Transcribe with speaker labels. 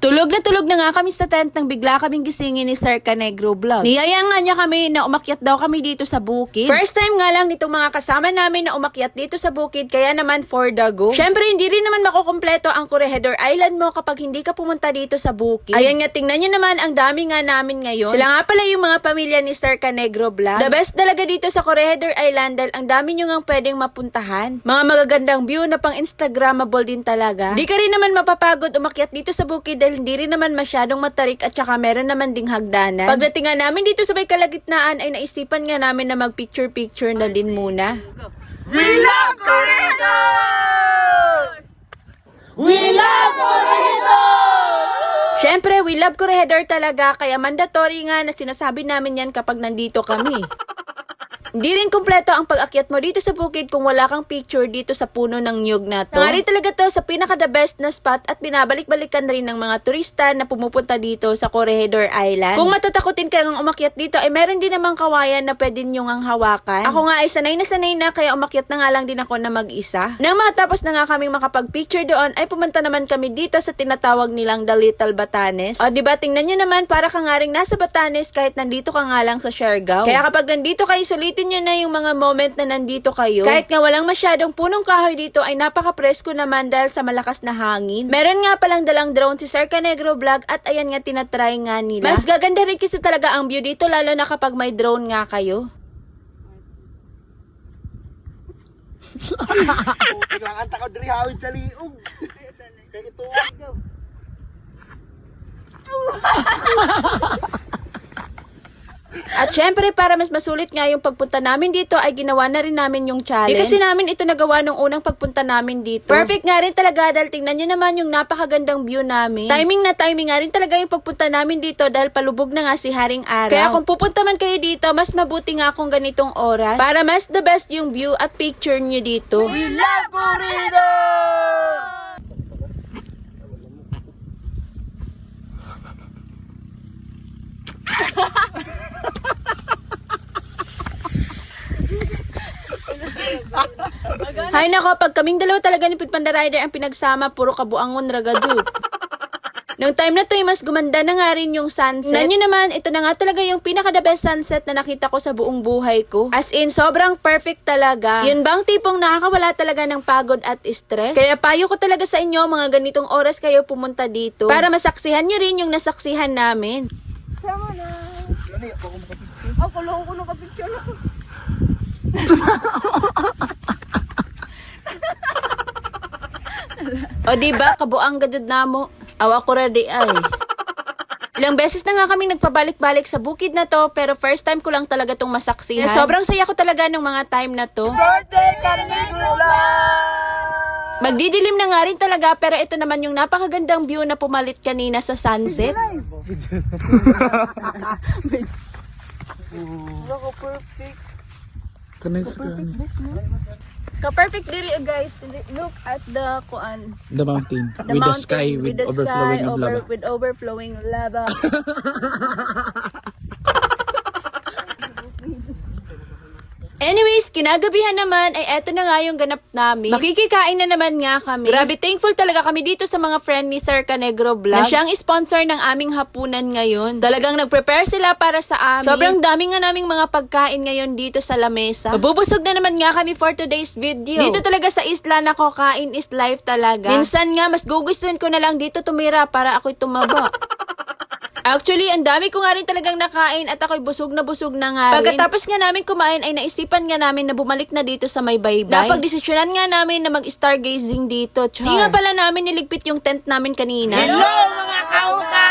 Speaker 1: Tulog na nga kami sa tent nang bigla kaming gisingin ni Sir Canegro Vlog. Niyaya nga niya kami na umakyat daw kami dito sa bukid. First time nga lang nitong mga kasama namin na umakyat dito sa bukid, kaya naman for the go. Syempre hindi rin naman makukumpleto ang Corregidor Island mo kapag hindi ka pumunta dito sa bukid. Ayan nga, tingnan nyo naman ang dami nga namin ngayon. Sila nga pala yung mga pamilya ni Sir Canegro Vlog. The best talaga dito sa Corregidor Island dahil ang dami nyo nga pwedeng mapuntahan. Mga magagandang view na pang Instagrammable din talaga. Di ka rin naman mapapagod umakyat dito sa bukid dahil hindi rin naman masyadong matarik at saka meron naman ding hagdanan. Pagdating nga namin dito sa may kalagitnaan ay naisipan nga namin na mag-picture-picture na din muna.
Speaker 2: We love Corregidor! We love Corregidor!
Speaker 1: Syempre, we love Corregidor talaga kaya mandatory nga na sinasabi namin yan kapag nandito kami. Hindi rin kumpleto ang pag-akyat mo dito sa bukid kung wala kang picture dito sa puno ng niyog na to. Nga rin talaga to sa pinaka-the best na spot at binabalik-balikan rin ng mga turista na pumupunta dito sa Corregidor Island. Kung matatakotin ka ng umakyat dito ay meron din namang kawayan na pwede nyo ngang hawakan. Ako nga ay sanay na kaya umakyat na nga lang din ako na mag-isa. Nang matapos na nga kaming makapag-picture doon ay pumunta naman kami dito sa tinatawag nilang The Little Batanes. O diba, tingnan nyo naman para ka nga rin nasa Batanes kahit nandito ka nga lang sa Siargao. Kaya kapag nandito kayo, sulitin nyo na yung mga moment na nandito kayo. Kahit nga walang masyadong punong kahoy dito ay napaka-presko naman dahil sa malakas na hangin. Meron nga palang dalang drone si Sir Canegro Vlog at ayan nga tinatry nga nila. Mas gaganda rin kasi talaga ang view dito lalo na kapag may drone nga kayo.
Speaker 2: Kailangan takaw diri hawid sa liog. Kaya ito daw.
Speaker 1: At syempre, para mas masulit nga yung pagpunta namin dito, ay ginawa na rin namin yung challenge. Di kasi namin ito nagawa nung unang pagpunta namin dito. Perfect nga rin talaga dahil tingnan nyo naman yung napakagandang view namin. Timing nga rin talaga yung pagpunta namin dito dahil palubog na nga si Haring Araw. Kaya kung pupunta man kayo dito, mas mabuti nga kung ganitong oras para mas the best yung view at picture nyo dito.
Speaker 2: We love Corregidor!
Speaker 1: Hay nako, pag kaming dalawa talaga ni Pit Panda Rider ang pinagsama, puro kabuangon ragadu. Nung time na to ay mas gumanda na nga rin yung sunset. Nanyo naman, ito na nga talaga yung pinaka-the best sunset na nakita ko sa buong buhay ko. As in, sobrang perfect talaga. Yun bang tipong nakakawala talaga ng pagod at stress? Kaya payo ko talaga sa inyo, mga ganitong oras kayo pumunta dito para masaksihan nyo rin yung nasaksihan namin.
Speaker 2: Tama na. Ako lang ko nakapicture ako.
Speaker 1: O diba, kabuang gadud na mo. Awa ko ready ay. Ilang beses na nga kaming nagpabalik-balik sa bukid na to, pero first time ko lang talaga tong masaksihan. Sobrang saya ko talaga ng mga time na to.
Speaker 2: Birthday Canegro Vlog!
Speaker 1: Magdidilim na nga rin talaga, pero ito naman yung napakagandang view na pumalit kanina sa sunset.
Speaker 2: Loko perfect.
Speaker 3: Ka-perfect diri guys. Look at the kuan.
Speaker 4: The mountain.
Speaker 3: The
Speaker 4: With
Speaker 3: mountain,
Speaker 4: the sky, with
Speaker 3: the
Speaker 4: overflowing
Speaker 3: sky,
Speaker 4: of lava.
Speaker 3: with overflowing lava.
Speaker 1: Anyways, kinagabihan naman ay eto na nga yung ganap namin. Makikikain na naman nga kami. Grabe, thankful talaga kami dito sa mga friend ni Sir Canegro Vlog na siyang sponsor ng aming hapunan ngayon. Talagang nag-prepare sila para sa amin. Sobrang dami nga naming mga pagkain ngayon dito sa lamesa. Mabubusog na naman nga kami for today's video. Dito talaga sa isla na kain is life talaga. Minsan nga, mas gugustuhin ko na lang dito tumira para ako'y tumaba. Actually, ang dami ko nga rin talagang nakain at ako'y busog na nga rin. Pagkatapos nga namin kumain ay naisipan nga namin na bumalik na dito sa may baybay. Napagdesisyonan nga namin na mag-stargazing dito. Char. Di nga pala namin niligpit yung tent namin kanina.
Speaker 2: Hello mga kauka!